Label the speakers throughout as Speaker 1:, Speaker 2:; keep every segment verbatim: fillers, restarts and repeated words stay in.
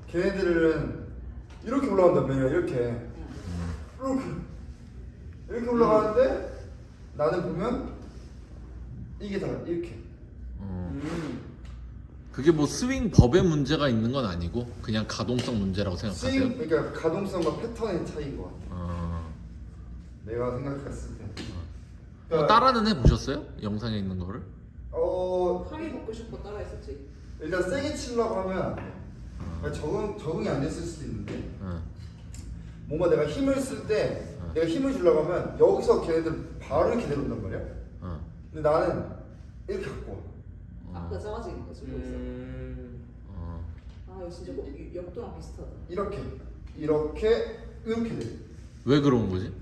Speaker 1: 걔네들은 이렇게 올라간단 말이야. 이렇게 이렇게 이렇게 올라가는데 나는 보면 이게 다 이렇게.
Speaker 2: 음. 그게 뭐 스윙 법의 문제가 있는 건 아니고 그냥 가동성 문제라고 생각하세요?
Speaker 1: 스윙 그러니까 가동성과 패턴의 차이인 것 같아.
Speaker 2: 어.
Speaker 1: 내가 생각했을 때.
Speaker 2: 어, 따라는 해 보셨어요? 영상에 있는 거를?
Speaker 1: 어
Speaker 3: 하리 먹고 싶어 따라했었지.
Speaker 1: 일단 세게 치려고 하면 안 돼. 그러니까 적응 적응이 안 됐을 수도 있는데
Speaker 2: 어.
Speaker 1: 뭔가 내가 힘을 쓸 때
Speaker 2: 어.
Speaker 1: 내가 힘을 주려고 하면 여기서 걔네들 바로 이렇게 내려온단 말이야.
Speaker 2: 어.
Speaker 1: 근데 나는 이렇게 갖고 와.
Speaker 3: 아, 그 작아지는 거 쓰고 있어.
Speaker 4: 음.
Speaker 2: 어.
Speaker 3: 아, 이거 진짜 뭐 역도랑 비슷하다.
Speaker 1: 이렇게 이렇게 이렇게 돼.
Speaker 2: 왜 그런 거지?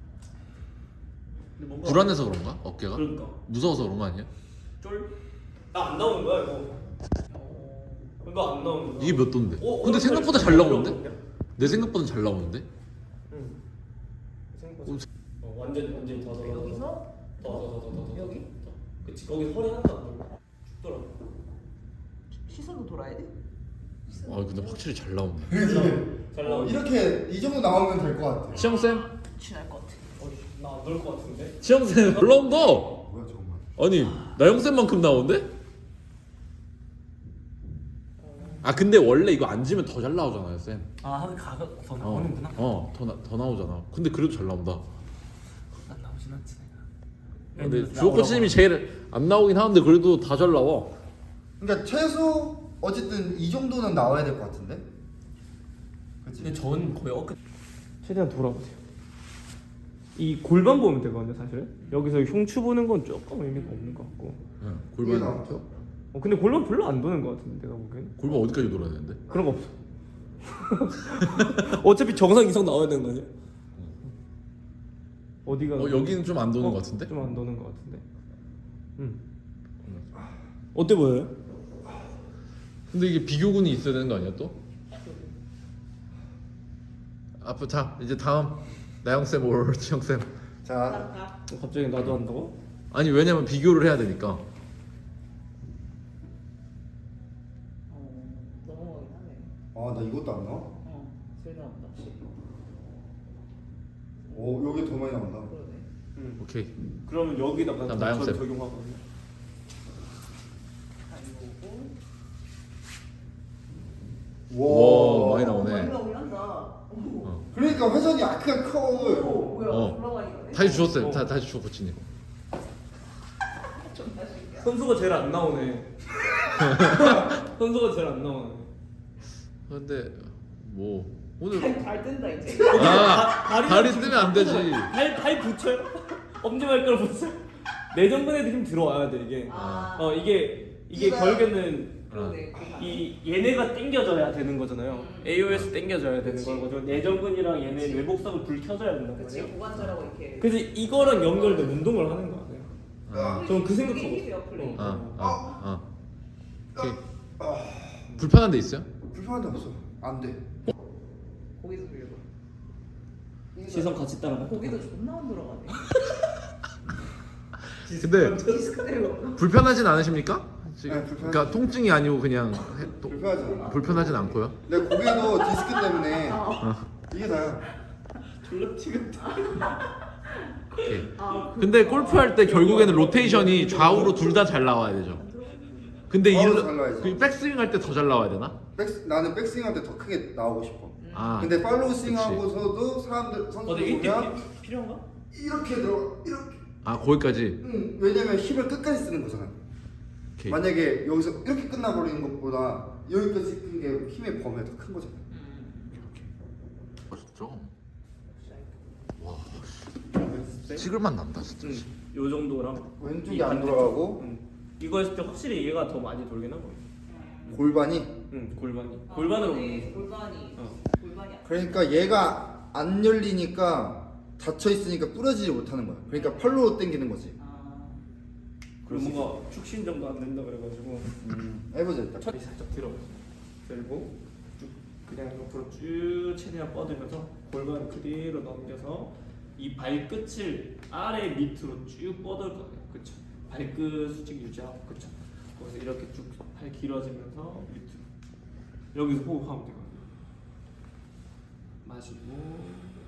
Speaker 4: 근데 뭔가
Speaker 2: 불안해서 그런가? 어깨가?
Speaker 4: 그러니까
Speaker 2: 무서워서 그런 거 아니야?
Speaker 4: 쫄? 나 안 나오는 거야 이거. 이거 안 나오는 거야.
Speaker 2: 이게 몇 도인데?
Speaker 4: 어,
Speaker 2: 근데
Speaker 4: 어,
Speaker 2: 생각보다
Speaker 4: 잘
Speaker 2: 잘 나오는데?
Speaker 4: 나오는데?
Speaker 2: 내 생각보다 잘 나오는데?
Speaker 4: 응. 생각보다. 어, 완전 완전 더 더 더 더
Speaker 3: 여기서
Speaker 4: 더더더더
Speaker 3: 여기?
Speaker 4: 그치 거기 허리 하나도 안 돌고 죽더라고.
Speaker 3: 시선도 돌아야 돼?
Speaker 2: 아 근데 확실히 잘 나오네.
Speaker 4: 잘
Speaker 1: 어,
Speaker 4: 나오네.
Speaker 1: 이렇게 이 정도 나오면 될 것 같아.
Speaker 2: 시영쌤?
Speaker 3: 친할 것 같아.
Speaker 4: 나안 넣을 것 같은데.
Speaker 2: 시영쌤 잘 나온다!
Speaker 1: 뭐야 정말.
Speaker 2: 아니 나영쌤만큼 나오는데? 아 근데 원래 이거 앉으면 더 잘 나오잖아요 쌤.
Speaker 4: 아 하늘 가가 더
Speaker 2: 어,
Speaker 4: 나오는구나.
Speaker 2: 어, 더, 나, 더 나오잖아. 근데 그래도 잘 나온다.
Speaker 4: 난 나오진 않지 내가.
Speaker 2: 근데 주호 코치님이 제일 안 나오긴 하는데 그래도 다 잘 나와.
Speaker 1: 그러니까 최소 어쨌든 이 정도는 나와야 될 것 같은데. 그렇지.
Speaker 4: 근데 전 거의 어깨. 최대한 돌아보세요. 이 골반 보면 되거든요 사실. 여기서 흉추 보는 건 조금 의미가 없는 것 같고.
Speaker 2: 응,
Speaker 1: 이게
Speaker 2: 골반.
Speaker 1: 나왔죠?
Speaker 4: 어 근데 골반 별로 안 도는 것 같은데 내가 보기엔.
Speaker 2: 골반 어디까지 돌아야 되는데?
Speaker 4: 그런 거 없어. 어차피 정상 이상 나와야 되는 거 아니야? 어디가?
Speaker 2: 어 여기는 좀 안 도는
Speaker 4: 어,
Speaker 2: 것 같은데?
Speaker 4: 좀 안 도는 것 같은데. 음. 어때 보여요?
Speaker 2: 근데 이게 비교군이 있어야 되는 거 아니야 또? 앞으로 자 이제 다음 나영쌤 올 지영쌤.
Speaker 1: 자
Speaker 3: 가.
Speaker 4: 어, 갑자기 나도 한다고?
Speaker 2: 아니 왜냐면 비교를 해야 되니까.
Speaker 3: 어, 넘어가긴 하네.
Speaker 1: 아 나 이것도 안 나와?
Speaker 3: 어, 제일 나온다. 확실히.
Speaker 1: 오 여기 더 많이 나온다.
Speaker 3: 그러네.
Speaker 4: 음.
Speaker 2: 오케이.
Speaker 4: 그러면 여기다가
Speaker 2: 그럼 나영 쌤.
Speaker 4: 적용하거든요.
Speaker 2: 와, 많이
Speaker 3: 어,
Speaker 2: 나오네.
Speaker 3: 많이 나오긴 한다. 오,
Speaker 2: 어.
Speaker 1: 그러니까 회전이 아크가 커.
Speaker 3: 오, 뭐야?
Speaker 2: 어.
Speaker 3: 올라가니까.
Speaker 2: 다시 주웠어요.
Speaker 4: 어.
Speaker 2: 다, 다시 주워 코치님.
Speaker 3: 존나 신기하다.
Speaker 4: 선수가 제일 안 나오네. 선수가 제일 안 나오네.
Speaker 2: 근데 뭐 오늘
Speaker 3: 발, 발 뜬다 이제.
Speaker 2: 아
Speaker 4: 다리가
Speaker 2: 다리
Speaker 4: 지금
Speaker 2: 뜨면 안 되지.
Speaker 4: 발, 발 붙여요? 엄지발가락 붙여요? 내전근에도 힘 들어와야 돼 이게.
Speaker 3: 아.
Speaker 4: 어 이게 이게
Speaker 3: 이거-
Speaker 4: 결국에는
Speaker 3: 그러네.
Speaker 4: 이 얘네가 당겨져야 되는 거잖아요.
Speaker 3: 음.
Speaker 4: 에이오에스 당겨져야 되는
Speaker 3: 그치.
Speaker 4: 거죠. 내전근이랑 얘네
Speaker 3: 그치.
Speaker 4: 외복선을 불 켜줘야 된단
Speaker 3: 그치,
Speaker 4: 말이에요.
Speaker 3: 고관절하고 이렇게.
Speaker 4: 그래서 이거랑 연결된 운동을 하는 거야.
Speaker 2: 아,
Speaker 4: 저는 그 생각
Speaker 3: 이게
Speaker 4: 하고
Speaker 3: 힙이에요, 플레이.
Speaker 2: 아, 아, 아. 오케이. 불편한 데 있어요?
Speaker 1: 불편한 데 없어. 안 돼.
Speaker 3: 고기도 들고.
Speaker 4: 시선 같이 따라가.
Speaker 3: 고기도 존나 안 들어가네.
Speaker 2: 근데
Speaker 3: 디스크대로.
Speaker 2: 불편하진 않으십니까? 지금
Speaker 1: 네, 불편하지.
Speaker 2: 그러니까 통증이 아니고 그냥 해, 또,
Speaker 1: 불편하지 않아.
Speaker 2: 불편하진 않고요.
Speaker 1: 내 고개도 디스크 때문에
Speaker 3: 어.
Speaker 1: 이게 다야.
Speaker 4: 졸라 티겠다.
Speaker 2: 오케이.
Speaker 3: 아, 그-
Speaker 2: 근데 골프 할 때 결국에는 로테이션이 좌우로 둘 다 잘 나와야 되죠. 근데
Speaker 1: 좌우로
Speaker 2: 이
Speaker 1: 잘 나와야지.
Speaker 2: 그 백스윙 할 때 더 잘 나와야 되나?
Speaker 1: 백, 나는 백스윙할 때 더 크게 나오고 싶어.
Speaker 2: 아.
Speaker 1: 근데 팔로우 스윙하고서도 사람들
Speaker 4: 어디
Speaker 1: 선수들
Speaker 4: 이게
Speaker 1: 보면
Speaker 4: 필요한가?
Speaker 1: 이렇게 들어 이렇게.
Speaker 2: 아 거기까지.
Speaker 1: 응. 왜냐면 힘을 끝까지 쓰는 거잖아.
Speaker 2: 오케이.
Speaker 1: 만약에 여기서 이렇게 끝나버리는 것보다 여기까지 큰 게 힘의 범위가 더 큰 거잖아.
Speaker 2: 멋있죠. 와, 찍을만 난다 진짜.
Speaker 4: 응. 요 정도랑
Speaker 1: 왼쪽이
Speaker 4: 이
Speaker 1: 안
Speaker 4: 반대쪽.
Speaker 1: 돌아가고
Speaker 4: 응. 이거 했을 때 확실히 얘가 더 많이 돌긴 하고.
Speaker 1: 골반이.
Speaker 4: 응 골반이.
Speaker 3: 아,
Speaker 4: 골반으로
Speaker 3: 그러네.
Speaker 4: 먹는 거.
Speaker 3: 골반이.
Speaker 4: 어.
Speaker 3: 골반이 아파.
Speaker 1: 그러니까 얘가 안 열리니까 닫혀 있으니까 부러지지 못하는 거야. 그러니까 팔로우 당기는 거지.
Speaker 3: 아,
Speaker 4: 그리고 뭔가 축신 정도 안 된다 그래가지고
Speaker 1: 음. 해보자 일단.
Speaker 4: 첫 살짝 들어. 들고 쭉 그냥 옆으로 쭉 최대한 뻗으면서 골반 그대로 넘겨서 이 발끝을 아래 밑으로 쭉 뻗을 거예요. 그쵸? 발끝 수직 유지하고 그쵸? 거기서 이렇게 쭉 발 길어지면서 밑으로 여기서 호흡하면 되거든요. 마시고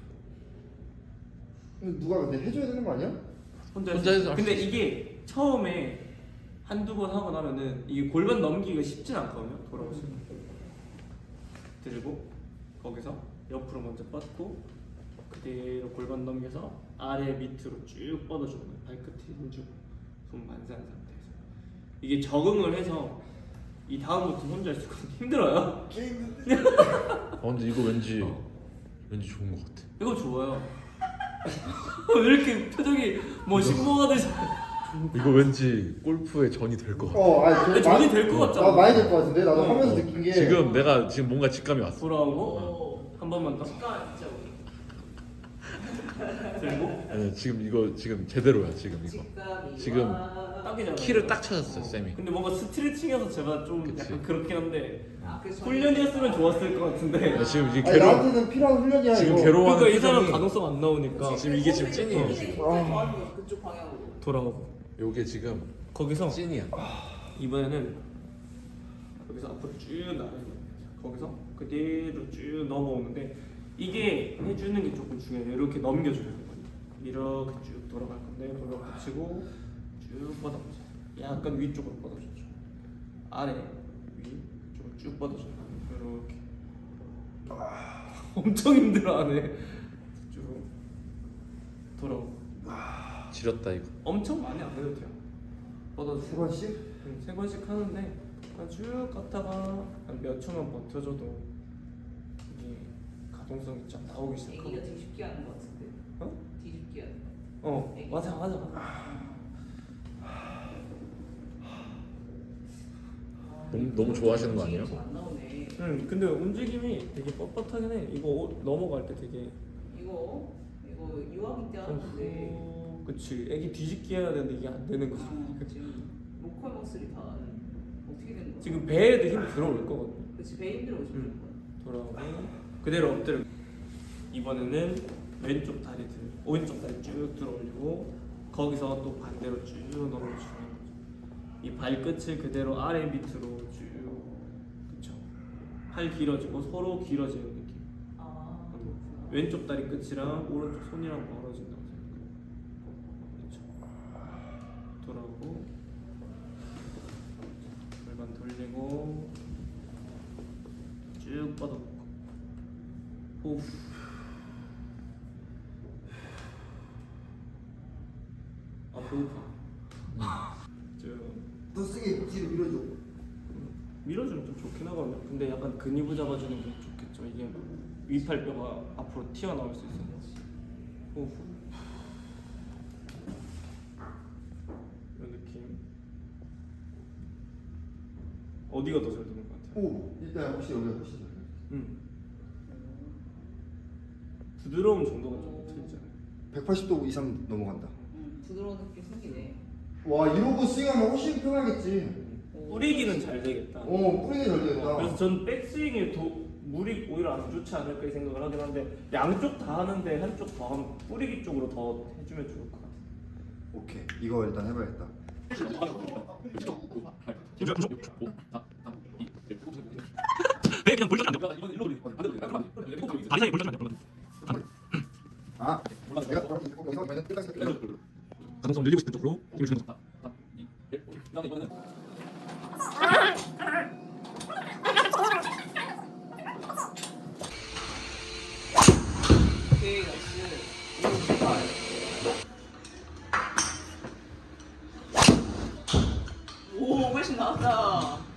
Speaker 1: 누가 근데 해줘야 되는 거 아니야?
Speaker 4: 혼자
Speaker 2: 혼자 해서
Speaker 4: 근데
Speaker 2: 할수
Speaker 4: 이게 처음에 한두 번 하고 나면은 이게 골반 넘기기가 쉽진 않거든요. 돌아오시고 들고 거기서 옆으로 먼저 뻗고 그대로 골반 넘겨서 아래 밑으로 쭉 뻗어주는 거예요. 발끝 힘주고 손 만세한 상태에서 이게 적응을 해서 이 다음부터 혼자 할 수가 힘들어요.
Speaker 2: 어, 근데 이거 왠지 왠지 좋은 것 같아.
Speaker 4: 이거 좋아요. 왜 이렇게 표정이 뭐 신고하듯이
Speaker 2: 이거 왠지 골프에 전이 될 것 같아.
Speaker 1: 어, 아니 저
Speaker 4: 근데 전이
Speaker 1: 많이-
Speaker 4: 될 것 같지
Speaker 1: 나
Speaker 4: 않아?
Speaker 1: 많이 될 것 같은데 나도
Speaker 4: 어,
Speaker 1: 하면서
Speaker 2: 어,
Speaker 1: 느낀 게
Speaker 2: 지금 내가 지금 뭔가 직감이 왔어.
Speaker 4: 돌아오고 한 번만 더
Speaker 3: 가 진짜 우리.
Speaker 4: 들고
Speaker 2: 아니, 지금 이거 지금 제대로야 지금 이거.
Speaker 3: 직감이
Speaker 2: 지금
Speaker 3: 와.
Speaker 4: 딱이잖아.
Speaker 2: 키를 딱 찾았어요 쌤이.
Speaker 4: 근데 뭔가 스트레칭해서 제가 좀
Speaker 2: 그치.
Speaker 4: 약간 그렇긴 한데
Speaker 3: 아, 그래서
Speaker 4: 훈련이었으면 좋았을 것 같은데
Speaker 2: 나 지금 이게
Speaker 1: 아니,
Speaker 2: 괴로
Speaker 1: 나한테는 필요한 훈련이야
Speaker 2: 지금
Speaker 1: 이거.
Speaker 2: 괴로워하는
Speaker 4: 그러니까 이 사람
Speaker 2: 표정이-
Speaker 4: 가능성 안 나오니까
Speaker 2: 지금 이게 지금 찐이에요,
Speaker 3: 지금.
Speaker 1: 아.
Speaker 3: 그쪽 방향으로.
Speaker 4: 돌아오고
Speaker 2: 요게 지금
Speaker 4: 거기서
Speaker 2: 찐이야.
Speaker 4: 이번에는 여기서 앞으로 쭉 나가는 거예요. 거기서 그대로 쭉 넘어오는데 이게 해주는 게 조금 중요해요. 이렇게 넘겨줘야 되거든요. 이렇게 쭉 돌아갈 건데 돌아 붙이고 쭉 뻗어보세요. 약간 위쪽으로 뻗어주죠. 아래 위 쪽으로 쭉 뻗어줘요. 이렇게 엄청 힘들어하네. 쭉 돌아오고
Speaker 2: 지렸다 이거.
Speaker 4: 엄청 많이 안 해도 돼요. 뻗어주세요.
Speaker 1: 세 번씩?
Speaker 4: 음, 세 번씩 하는데 그냥 쭉 갔다가 한 몇 초만 버텨줘도 이게 가동성이 쫙 나오기
Speaker 3: 애기가
Speaker 4: 시작하고
Speaker 3: 뒤집기 하는 것 같은데.
Speaker 4: 어?
Speaker 3: 뒤집기 하는 거.
Speaker 4: 어
Speaker 3: 애기.
Speaker 4: 맞아 맞아
Speaker 2: 너무- 너무 좋아하시는 거 아니에요?
Speaker 3: 안 나오네.
Speaker 4: 응 근데 움직임이 되게 뻣뻣하긴 해. 이거 옷 넘어갈 때 되게
Speaker 3: 이거 이거 유아기 때
Speaker 4: 좀
Speaker 3: 하는데.
Speaker 4: 후- 그치 애기 뒤집기 해야 되는데 이게 안 되는 거지.
Speaker 3: 아, 지금 로컬 머슬이 다 어떻게 되는 거야?
Speaker 4: 지금 배에도 힘 들어올 거거든.
Speaker 3: 그치 배 힘들어 지금.
Speaker 4: 응. 돌아오고 그대로 엎드려. 이번에는 왼쪽 다리 들 오른쪽 다리 쭉 들어올리고 거기서 또 반대로 쭉 넘어주는 거죠. 이 발끝을 그대로 아래 밑으로 쭉 그쵸. 팔 길어지고 서로 길어지는 느낌.
Speaker 3: 아.
Speaker 4: 그리고 왼쪽 다리 끝이랑 오른쪽 손이랑 멀어진다고 생각해요. 그쵸. 돌아오고 골반 돌리고 쭉 뻗어놓고 호흡. 아 배고파. 쭉
Speaker 1: 더 세게 뒤로 밀어줘.
Speaker 4: 밀어주면 좀 좋긴 하거든요. 근데 약간 근위부 잡아주는 게 좋겠죠. 이게 위팔뼈가 앞으로 튀어나올 수 있어요. 호흡. 이런 느낌. 어디가 더 잘 되는 것 같아요?
Speaker 1: 오 일단 혹시 여기가 훨씬 잘 돼.
Speaker 4: 음. 부드러움 정도가 좀 틀리잖아요.
Speaker 1: 백팔십 도 이상 넘어간다.
Speaker 3: 음, 부드러운 느낌 생기네.
Speaker 1: 와 이러고 스윙하면 훨씬 편하겠지.
Speaker 4: 뿌리기는 잘 되겠다.
Speaker 1: 어 뿌리기 잘 되겠다.
Speaker 4: 그래서 전 백스윙에 도, 물이 오히려 안 좋지 않을까 이 생각을 하긴 한데 양쪽 다 하는데 한쪽 더 하면 뿌리기 쪽으로 더 해주면 좋을 것 같아요.
Speaker 1: 오케이 이거 일단 해봐야겠다.
Speaker 2: 그냥 볼전 안 돼. 이건 일로 돌리고 안 돼. 다리 사이 볼전 안 돼.
Speaker 1: 아 내가 여기서 맨날 끝까지 할게.
Speaker 2: 가동성 늘리고 싶은 쪽으로 힘을 주는 거다. 그다음에 이번에는
Speaker 3: 오케이 나이스. 이거 좋다. 오 훨씬 나왔다.